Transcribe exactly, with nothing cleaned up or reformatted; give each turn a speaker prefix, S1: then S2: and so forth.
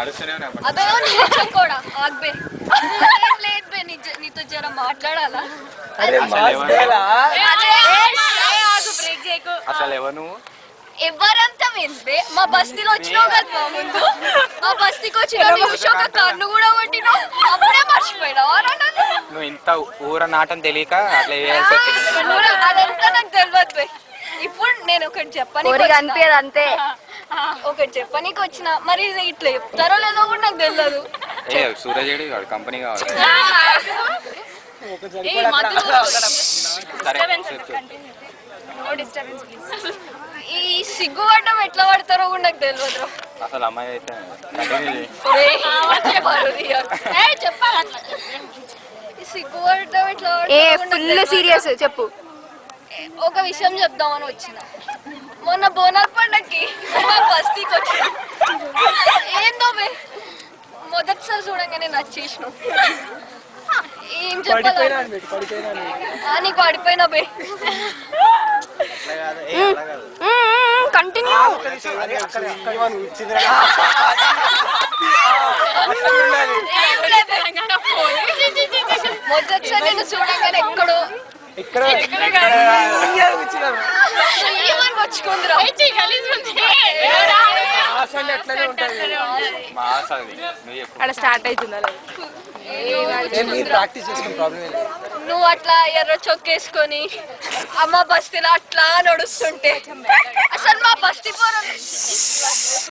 S1: అదే కూడా ఆగ్బే లేదు బే నీతో జర మాట్లాడాలా
S2: అసలు ఎవరు నువ్వు
S1: ఎవరంతా విందే మా బస్తీలో వచ్చినావు కదా ముందు మా బస్తీకి వచ్చిన ఒక కన్ను కూడా కొట్టినావు అప్పుడే మర్చిపోయినావు
S2: నువ్వు ఇంత ఊర నాటం తెలియక అట్లా చేయాల్సి
S1: అదంతా నాకు తెలియదు బే ఇప్పుడు నేను ఒకటి చెప్పని
S3: అనిపించదు అంతే
S1: ఒకటి చెప్పనీకి వచ్చిన మరి ఇట్లా చెప్తారో లేదో కూడా నాకు తెలియదు
S2: ఏ సూరజేడి వాడు కంపెనీ కావాలి
S1: ఈ సిగ్గుపడడం ఎట్లా పడతారో కూడా నాకు తెలియదు
S2: అసలు అమ్మాయి అయితే
S1: సిగ్గుపడడం ఎట్లా
S3: ఫుల్ సీరియస్ చెప్పు
S1: ఒక విషయం చెప్దామని వచ్చిన మొన్న బోనాల పండక్కి మా బస్తీకి వచ్చిన ఏందో బే మొదటిసారి చూడంగానే నచ్చేసిన ఏం చెప్పాలి నీకు పడిపోయినా బే
S3: కంటిన్యూ
S1: మొదటిసారి నేను చూడంగానే ఎక్కడో వచ్చుకుందిరా
S3: అక్కడ స్టార్ట్ అవుతుందా
S1: నువ్వు అట్లా ఎర్ర చొక్కేసుకొని అమ్మ బస్తీలో అట్లా నడుస్తుంటే అసలు మా బస్తీ పోరు